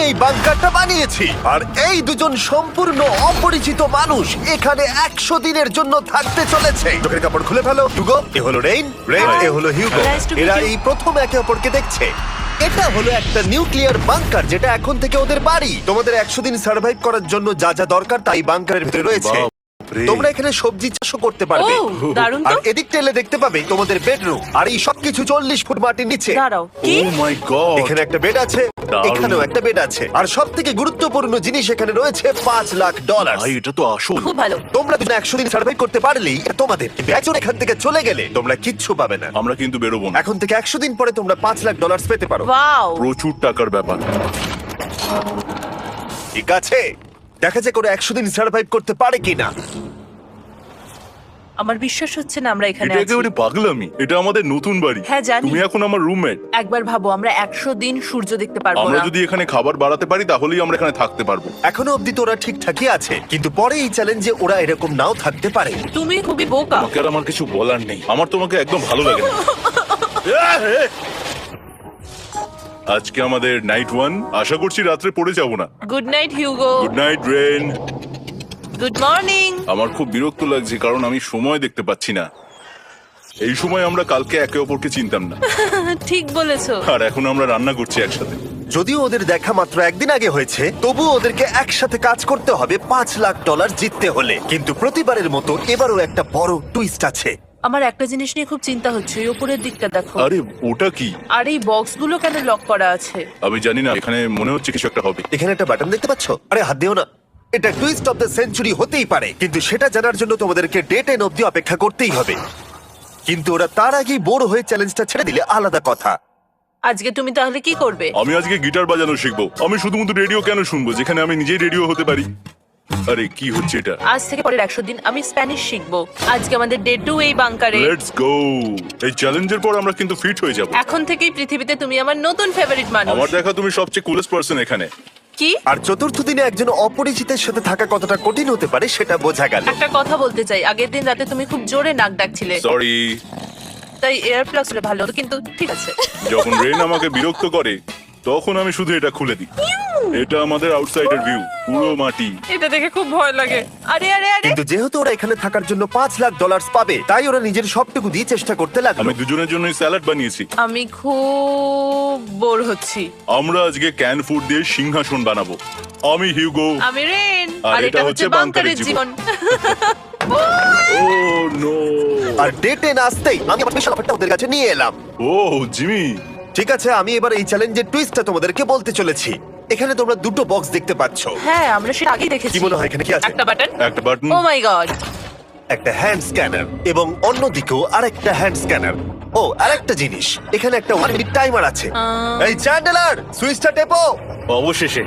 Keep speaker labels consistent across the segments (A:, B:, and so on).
A: এই বাংকারটা বানিয়েছি আর এই দুজন সম্পূর্ণ অপরিচিত মানুষ এখানে 100 দিনের জন্য থাকতে চলেছে। চোখের কাপড় খুলে ফেলো। হিউগো, এ হলো রেইন, এ হলো হিউগো।
B: Nice to meet
A: এরা
B: you.
A: এই প্রথম একে অপরকে দেখছে। এটা হলো একটা নিউক্লিয়ার বাংকার যেটা এখন থেকে ওদের বাড়ি। তোমাদের 100 দিন সার্ভাইভ করার জন্য যা যা দরকার তাই বাংকারের ভিতরে রয়েছে। তোমরা এখানে সবজি চাষও করতে পারবে।
B: ও, দারুণ তো।
A: আর এদিক টেলে দেখতে পাবে তোমাদের বেডরুম। আর এই সবকিছু 40 ফুট মাটির নিচে।
B: দাঁড়াও, কি?
C: ও মাই গড,
A: এখানে একটা বেড আছে,
C: দারুণ।
A: এখানেও একটা বেড আছে। আর সব থেকে গুরুত্বপূর্ণ জিনিস এখানে রয়েছে $5 লাখ।
C: ভাই এটা তো আসল।
B: খুব ভালো।
A: তোমরা যদি 100 দিন সার্ভাইভ করতে পারলেই এটা তোমাদের। কিন্তু একজন এখান থেকে চলে গেলে তোমরা কিচ্ছু পাবে না।
C: আমরা কিন্তু বেরোবো না,
A: এখন থেকে 100 দিন পরে তোমরা $5 লাখ পেতে পারো।
B: ওয়াও।
C: প্রচুর টাকার ব্যাপার।
A: ঠিক আছে, দেখা যাক ওরা 100 দিন সার্ভাইভ করতে পারে কিনা।
B: আমার বিশ্বাস হচ্ছে না আমরা এখানে
C: এটা
B: আছি।
C: একেবারে পাগলামি। এটা আমাদের নতুন বাড়ি।
B: হ্যাঁ, জানি।
C: তুমি এখন আমার রুমমেট।
B: একবার ভাবো, আমরা 100 দিন সূর্য দেখতে পারবো
C: আমরা
B: না।
C: যদি এখানে খাবার বাড়াতে পারি তাহলেই আমরা এখানে থাকতে পারবো।
A: এখনো অব্দি তো ওরা ঠিকঠাকই আছে, কিন্তু পরে এই চ্যালেঞ্জে ওরা এরকম নাও থাকতে পারে।
B: তুমি খুবই বোকা।
C: তোমাকে আর আমার কিছু বলার নেই। আমার তোমাকে একদম ভালো লাগে না। আজকে আমাদের নাইট 1। আশা করছি রাত্রে পড়ে যাব না।
B: Good night Hugo.
C: Good night Rain.
B: Good morning.
C: আমার খুব বিরক্ত লাগছে কারণ আমি সময় দেখতে পাচ্ছি না। এই সময় আমরা কালকে একে অপরকে চিনতাম না,
B: ঠিক বলেছো।
C: আর এখন আমরা রান্না করছি একসাথে।
A: যদিও ওদের দেখা মাত্র একদিন আগে হয়েছে, তবুও ওদেরকে একসাথে কাজ করতে হবে $5 লাখ জিততে হলে। কিন্তু প্রতিবারের মতো এবারও একটা বড় টুইস্ট আছে।
B: আমার একটা জিনিস নিয়ে খুব চিন্তা হচ্ছে, ওই উপরের দিকটা দেখো।
C: আরে ওটা কি?
B: আর এই বক্সগুলো কেন লক করা আছে?
C: আমি জানি না, এখানে মনে হচ্ছে কিছু একটা হবে।
A: এখানে একটা বাটন দেখতে পাচ্ছ? আরে হাত দিও না। এটা টুইস্ট অফ দ্য সেঞ্চুরি হতেই পারে, কিন্তু সেটা জানার জন্য তোমাদেরকে ডে 10 অব্দি অপেক্ষা করতেই হবে। কিন্তু ওরা তার আগেই বোর হয়ে চ্যালেঞ্জটা ছেড়ে দিলে আলাদা কথা।
B: আজকে তুমি তাহলে কি করবে?
C: আমি আজকে গিটার বাজানো শিখবো। আমি শুধুমাত্র রেডিও কেন শুনবো যেখানে আমি নিজেই রেডিও হতে পারি? আরে কি হচ্ছে এটা?
B: আজ থেকে পরের 100 দিন আমি স্প্যানিশ শিখবো। আজকে আমাদের ডে 2 এই বাংকারে।
C: Let's go. এই চ্যালেঞ্জের পর আমরা কিন্তু ফিট হয়ে যাব।
B: এখন থেকেই পৃথিবীতে তুমি আমার নতুন ফেভারিট মানুষ।
C: আমার দেখা তুমি সবচেয়ে কুলেস্ট পারসন এখানে।
B: কি?
A: আর চতুর্থ দিনে একজন অপরিচিতের সাথে থাকা কতটা কঠিন হতে পারে সেটা বোঝা গেল।
B: একটা কথা বলতে চাই, আগের দিন রাতে তুমি খুব জোরে নাক ডাকছিলে,
C: সরি।
B: তাই এয়ার প্লাগস হলে ভালো হতো, কিন্তু ঠিক আছে।
C: যখন রেন আমাকে বিরক্ত করে তখন আমি শুধু এটা খুলে দিই। এটা আমাদের আউটসাইডার ভিউ, পুরো মাটি।
B: এটা দেখে খুব ভয় লাগে। আরে আরে আরে,
A: কিন্তু যেহেতু ওরা এখানে থাকার জন্য $5 লাখ পাবে, তাই ওরা নিজের সবটুকু দিয়ে চেষ্টা করতে লাগলো।
C: আমি দুজনের জন্যই স্যালাড বানিয়েছি।
B: আমি খুব বোর হচ্ছি।
C: আমরা আজকে ক্যান ফুড দিয়ে সিংহাসন বানাবো। আমি হিউগো।
B: আমি রেন,
C: আর
B: আর এটা হচ্ছে বাংকারের জীবন।
C: ও নো।
A: আর ডে 10 আসতেই আমি আমার স্পেশাল অফারটা ওদের কাছে নিয়ে এলাম।
C: ও জিমি।
A: ঠিক আছে, আমি এবার এই চ্যালেঞ্জের টুইস্টটা তোমাদেরকে বলতে চলেছি। এখানে তোমরা দুটো বক্স দেখতে পাচ্ছ।
B: হ্যাঁ, আমরা সেটা আগেই দেখেছি।
A: কি মনে হয় এখানে কি আছে?
B: একটা বাটন।
C: একটা বাটন।
B: Oh my God.
A: একটা হ্যান্ড স্ক্যানার এবং অন্যদিকেও আরেকটা হ্যান্ড স্ক্যানার। ও, আরেকটা জিনিস, এখানে একটা 1 মিনিট টাইমার আছে। এই চ্যান্ডেলার, সুইচটা টেপো।
C: অবশেষে।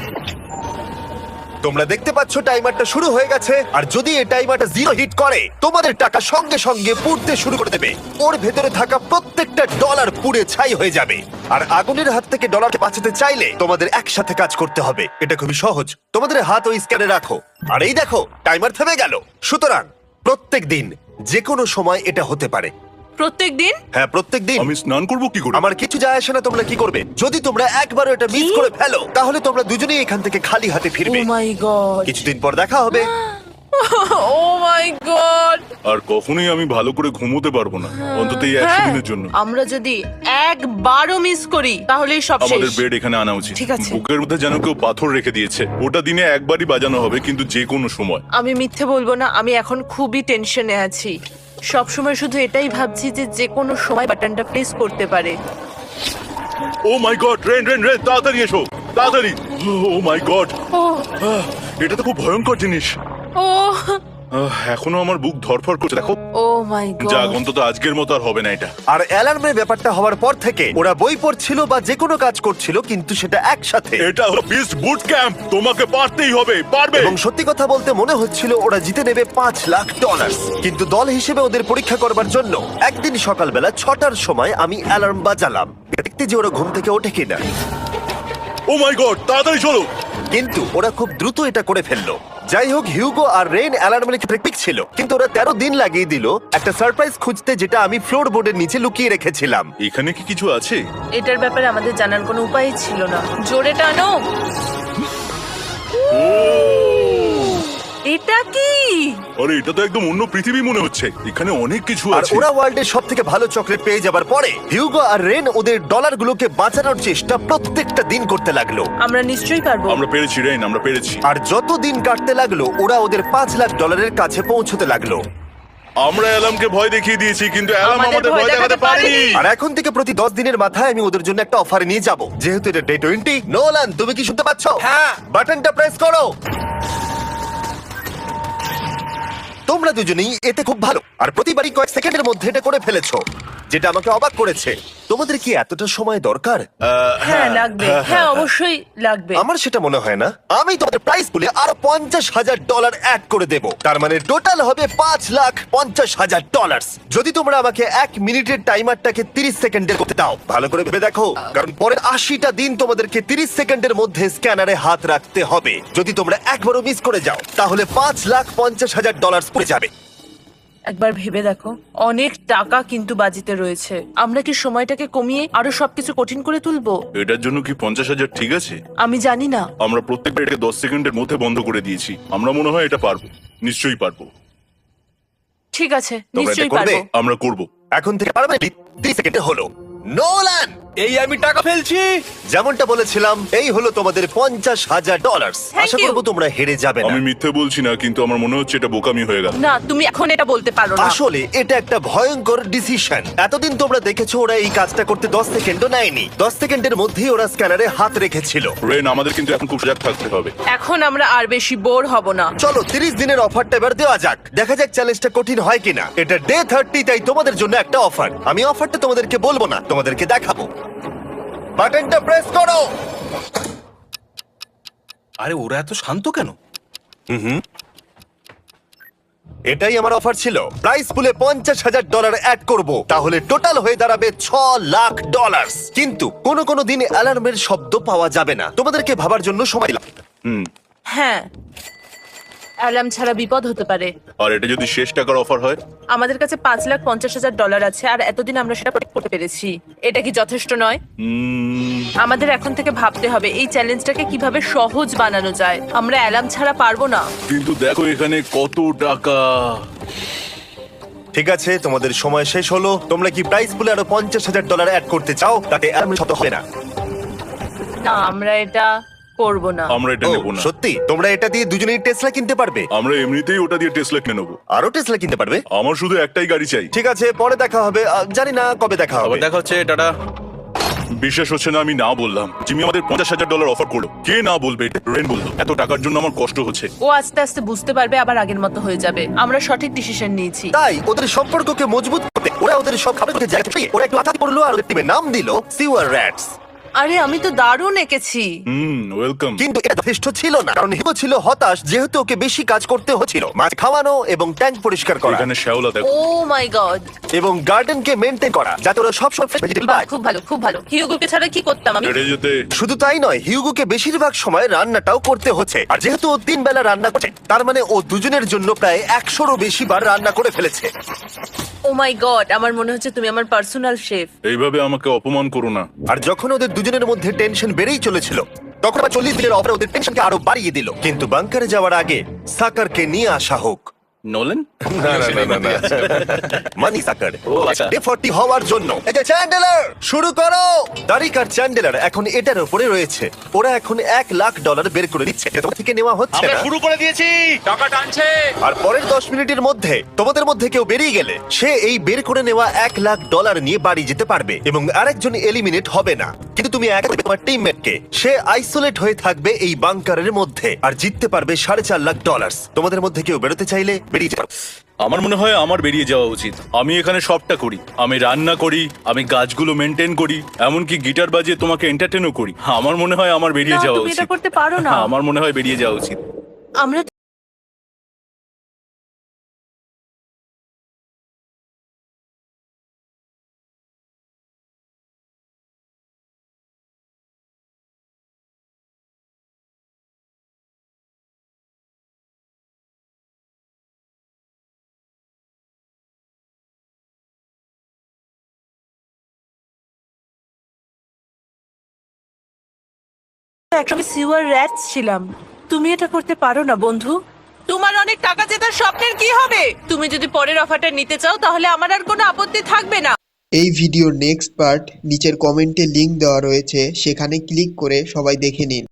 A: তোমরা দেখতে পাচ্ছ টাইমারটা শুরু হয়ে গেছে। আর যদি এই টাইমারটা 0 হিট করে, তোমাদের টাকা সঙ্গে সঙ্গে পুড়তে শুরু করে দেবে। ওর ভেতরে থাকা প্রত্যেকটা ডলার পুড়ে ছাই হয়ে যাবে। আর আগুনের হাত থেকে ডলারকে বাঁচাতে চাইলে তোমাদের একসাথে কাজ করতে হবে। এটা খুবই সহজ। তোমাদের হাত ওই স্ক্যানে রাখো, আর এই দেখো টাইমার থেমে গেল। সুতরাং প্রত্যেক দিন যে কোনো সময় এটা হতে পারে।
B: প্রত্যেক দিন?
A: হ্যাঁ, প্রত্যেক দিন।
C: আমি স্নান করব কি করে?
A: আমার কিছু যায় আসে না তোমরা কি করবে। যদি তোমরা একবারও এটা মিস করে ফেলো, তাহলে তোমরা দুজনেই এখান থেকে খালি হাতে
B: ও
A: ফিরবে।
B: My God.
A: কিছুদিন পর দেখা হবে।
B: ও মাই গড।
C: আর কখনোই আমি ভালো করে ঘুমোতে পারবো না, অন্তত এই 100 দিনের জন্য।
B: আমরা যদি একবারও মিস করি তাহলেই সব
C: আমাদের
B: শেষ।
C: বেড এখানে আনা উচিত।
B: ঠিক আছে।
C: বুকের মধ্যে যেন কেউ পাথর রেখে দিয়েছে। ওটা দিনে একবারই বাজানো হবে, কিন্তু যে কোনো সময়।
B: আমি মিথ্যে বলবো না, আমি এখন খুবই টেনশনে আছি। সব সময় শুধু এটাই ভাবছি যে যে কোনো সময় বাটনটা প্রেস করতে পারে।
C: Oh my God, Rain Rain Rain, তাড়াতাড়ি এসো, তাড়াতাড়ি। ও মাই গড,
B: ও
C: এটা তো খুব ভয়ঙ্কর জিনিস।
B: ও
C: এখনো আমার বুক ধরফর করছে, দেখো।
B: ও মাই
C: যাক,
B: গড।
C: অন্তত আজকের মতো আর হবে না এটা।
A: আর অ্যালার্মের ব্যাপারটা হওয়ার পর থেকে ওরা বই পড়ছিল বা যে কোনো কাজ করছিল, কিন্তু সেটা একসাথে।
C: এটা হলো বিস্ট বুট ক্যাম্প, তোমাকে পারতেই হবে, পারবে।
A: এবং সত্যি কথা বলতে মনে হচ্ছিল ওরা জিতে নেবে $5 লাখ। কিন্তু দল হিসেবে ওদের পরীক্ষা করবার জন্য একদিন সকালবেলা 6টার সময় আমি অ্যালার্ম বাজালাম, দেখতে যে ওরা ঘুম থেকে ওঠে কিনা।
C: ও মাই গড, তাড়াতাড়ি চলো।
A: কিন্তু ওরা খুব দ্রুত এটা করে ফেললো। যাই হোক, হিউগো আর রেন অ্যালার্মের ক্ষেত্রে ঠিক ছিল, কিন্তু ওরা 13 দিন লাগিয়ে দিল একটা সারপ্রাইজ খুঁজতে, যেটা আমি ফ্লোর বোর্ডের নিচে লুকিয়ে রেখেছিলাম।
C: এখানে কি কিছু আছে?
B: এটার ব্যাপারে আমাদের জানার কোনো উপায় ছিল না। জোরে টানো। এটা কি?
C: আরে এটা তো একদম অন্য পৃথিবী মনে হচ্ছে। এখানে অনেক কিছু
A: আর
C: আছে।
A: ওরা ওয়ার্ল্ডের সব থেকে ভালো চকলেট পেয়ে যাবার পরে হিউগো আর রেন ওদের ডলারগুলোকে বাঁচানোর চেষ্টা প্রত্যেকটা দিন করতে লাগলো।
B: আমরা নিশ্চয়ই পারবো।
C: আমরা পেরেছি রেন, আমরা পেরেছি।
A: আর যত দিন কাটতে লাগলো, ওরা ওদের $5,00,000 কাছে পৌঁছতে লাগলো।
C: আমরা অ্যালামকে ভয় দেখিয়ে দিয়েছি, কিন্তু অ্যালাম
B: আমাদের
C: আমাদের
B: ভয়
C: ভয় দেখাতে
B: দেখাতে
C: পারেনি।
B: পারেনি।
A: আর এখন থেকে প্রতি 10 দিনের মাথায় আমি ওদের জন্য একটা অফার নিয়ে যাব, যেহেতু এটা ডে 20। নোলান, তুমি কি শুনতে পাচ্ছ? হ্যাঁ, বাটনটা প্রেস করো। তোমরা দুজনেই এতে খুব ভালো, আর প্রতিবারই কয়েক সেকেন্ডের মধ্যে এটা করে ফেলেছো, যেটা আমাকে অবাক করেছে। তোমাদের কি এতটা সময় দরকার?
B: হ্যাঁ লাগবে, হ্যাঁ অবশ্যই লাগবে।
A: আমার সেটা মনে হয় না। আমি তোমাদের প্রাইস বলে আরো $50,000 অ্যাড করে দেব, তার মানে টোটাল হবে $5,50,000। যদি তোমরা আমাকে 1 মিনিটের টাইমারটাকে 30 সেকেন্ডের করতে দাও। ভালো করে ভেবে দেখো, কারণ পরের 80টা দিন তোমাদেরকে 30 সেকেন্ডের মধ্যে স্ক্যানারে হাত রাখতে হবে। যদি তোমরা একবারও মিস করে যাও, তাহলে $5,50,000 পড়ে যাবে।
B: একবার ভেবে দেখো, অনেক টাকা কিন্তু বাজিতে রয়েছে। আমরা কি সময়টাকে কমিয়ে আরো সবকিছু কঠিন করে তুলবো?
C: এটার জন্য কি 50,000 ঠিক আছে?
B: আমি জানি না।
C: আমরা প্রত্যেকটা এটাকে 10 সেকেন্ডের মধ্যে বন্ধ করে দিয়েছি। আমরা মনে হয় এটা পারবো, নিশ্চয়ই পারবো।
B: ঠিক আছে,
A: তোমরা এটা
B: নিশ্চয়ই
A: করবে?
B: পারবো।
C: আমরা করব।
A: এখন থেকে পারবে? 30 সেকেন্ডে হলো। নোলান,
D: এই আমি টাকা ফেলছি।
A: যেমনটা বলেছিলাম, এই হলো তোমাদের $50,000।
B: Thank
A: Asha
B: you.
A: করবো তোমরা হেরে যাবে না।
C: আমি মিথ্যে বলছি না, কিন্তু আমার মনে হচ্ছে এটা বোকামি হয়ে গেল।
B: না, তুমি এখন এটা বলতে পারো না।
A: আসলে এটা একটা ভয়ঙ্কর ডিসিশন। এতদিন তোমরা দেখেছো ওরা এই কাজটা করতে 10 সেকেন্ডও নেয়নি। 10 সেকেন্ডের মধ্যেই ওরা স্ক্যানারে হাত রেখেছিল।
C: রেন, আমাদের কিন্তু এখন খুব সজাগ থাকতে হবে।
B: এখন আমরা আর বেশি বোর হব না।
A: চলো 30 দিনের অফারটা এবার দেওয়া যাক, দেখা যাক চ্যালেঞ্জটা কঠিন হয় কিনা। এটা ডে 30, তাই তোমাদের জন্য একটা অফার। আমি অফারটা তোমাদেরকে বলবো না, তোমাদেরকে দেখাবো। বাটনটা প্রেস করো।
D: আরে ওরা এত শান্ত কেন?
A: এটাই আমার অফার ছিল। প্রাইস পুলে $50,000 অ্যাড করব, তাহলে টোটাল হয়ে দাঁড়াবে $6,00,000। কিন্তু কোনো দিন অ্যালার্মের শব্দ পাওয়া যাবে না। তোমাদেরকে ভাবার জন্য সময় লাগবে।
B: হ্যাঁ, অ্যালার্ম ছাড়া বিপদ হতে পারে।
C: আর এটা যদি শেষ টাকার অফার হয়?
B: আমাদের কাছে $5,50,000 আছে, আর এতদিন আমরা সেটা প্রোটেক্ট করতে পেরেছি। এটা কি যথেষ্ট নয়? আমাদের এখন থেকে ভাবতে হবে এই চ্যালেঞ্জটাকে কিভাবে সহজ বানানো যায়। আমরা অ্যালার্ম ছাড়া পারবো না।
C: কিন্তু দেখো এখানে কত টাকা।
A: ঠিক আছে, তোমাদের সময় শেষ হলো। তোমরা কি প্রাইস পুলে আরো $50,000 অ্যাড করতে চাও? তাতে অ্যালার্মের শব্দ হবে না।
B: না, আমরা এটা করব না।
C: আমরা এটা
A: ও,
C: নেব না।
A: সত্যি? তোমরা এটা দিয়ে দুজনেই টেসলা কিনতে পারবে?
C: আমরা এমনিতেই ওটা দিয়ে টেসলা কিনে নেবো।
A: আরো টেসলা কিনতে পারবে?
C: আমার শুধু একটাই গাড়ি চাই।
A: ঠিক আছে, পরে দেখা হবে। জানি না কবে দেখা হবে।
D: আবার দেখা হচ্ছে, টাটা।
C: বিশ্বাস হচ্ছে না আমি না বললাম। জিমি আমাদের $50,000 অফার করলো। কে না বলবে? রেন বললো। এত টাকার জন্য আমার কষ্ট হচ্ছে।
B: ও আস্তে আস্তে বুঝতে পারবে, আবার আগের মতো হয়ে যাবে। আমরা সঠিক ডিসিশন নিয়েছি।
A: তাই ওদের সম্পর্ককে মজবুত করতে ওরা ওদের সব খাবারকে জায়গা থেকে ওরা একটু আঘাত করলো, আর ওদের টিমের নাম দিল সিওয়ার র্যাটস।
B: আরে আমি তো দারুণ এঁকেছি।
C: ওয়েলকাম।
A: কিন্তু এটা যথেষ্ট ছিল না, কারণ হিগো ছিল হতাশ, যেহেতু ওকে বেশি কাজ করতে হচ্ছিল। মাছ খাওয়ানো এবং ট্যাঙ্ক পরিষ্কার করা
C: এখানে শ্যাওলা দেখো।
B: Oh my God.
A: এবং গার্ডেনকে মেনটেন করা, যাতে ওরা সবসময় ফ্রেশ ভেজিটেবল পায়।
B: খুব ভালো, খুব ভালো। হিউগোকে ছাড়া কি করতাম আমি?
C: হেঁটে যেতে।
A: শুধু তাই নয়, হিউগোকে বেশিরভাগ সময় রান্নাটাও করতে হচ্ছে। আর যেহেতু ও 3 বেলা রান্না করছে, তার মানে ও দুজনের জন্য প্রায় 100রও বেশি বার রান্না করে ফেলেছে।
B: ও মাই গড, আমার মনে হচ্ছে তুমি আমার পার্সোনাল শেফ।
C: এইভাবে আমাকে অপমান করো না।
A: আর যখন ওদের দুজনের মধ্যে টেনশন বেড়েই চলেছিল, তখন আবার 40 দিনের অফারে ওদের টেনশনকে আরো বাড়িয়ে দিল। কিন্তু বাংকারে যাওয়ার আগে সাকারকে নিয়ে আসা হোক।
D: নোলেন?
A: মানি সাকার
D: ও, আচ্ছা।
A: ডে 40 হওয়ার জন্য। এই যে চ্যান্ডেলার, শুরু করো। তারিক আর চ্যান্ডেলার এখন এটার উপরে রয়েছে। ওরা এখন $1,00,000 বের করে দিচ্ছে, এটা তোমার থেকে নেওয়া হচ্ছে
D: আমরা
A: না।
D: শুরু করে দিয়েছি, টাকা টানছে।
A: আর পরের 10 মিনিটের মধ্যে তোমাদের মধ্যে কেউ বেরিয়ে গেলে সে এই বের করে নেওয়া $1,00,000 নিয়ে বাড়ি যেতে পারবে, এবং আরেকজন এলিমিনেট হবে না। কিন্তু তুমি একা থাকবে তোমার টিমমেটকে। সে আইসোলেট হয়ে থাকবে এই বাংকারের মধ্যে, আর জিততে পারবে $4.5 লাখ। তোমাদের মধ্যে কেউ বেরোতে চাইলে বেরিয়ে যেতে পারো।
D: আমার মনে হয় আমার বেরিয়ে যাওয়া উচিত। আমি এখানে সবটা করি, আমি রান্না করি, আমি গাছগুলো মেনটেন করি, এমনকি গিটার বাজিয়ে তোমাকে এন্টারটেনও করি। আমার মনে হয় আমার বেরিয়ে
B: না,
D: যাওয়া
B: তুমি এটা
D: উচিত।
B: করতে পারো না।
D: আমার মনে হয় বেরিয়ে যাওয়া উচিত।
B: আমরা একসঙ্গে সিওয়ার র্যাটস ছিলাম। তুমি এটা করতে পারো না বন্ধু। তোমার অনেক টাকা জেতার স্বপ্নের কি হবে? তুমি যদি পরের অফারটা নিতে চাও তাহলে আমার আর কোনো আপত্তি থাকবে না।
E: এই ভিডিওর নেক্সট পার্ট নিচের কমেন্টে লিংক দেওয়া রয়েছে, সেখানে ক্লিক করে সবাই দেখে নিন।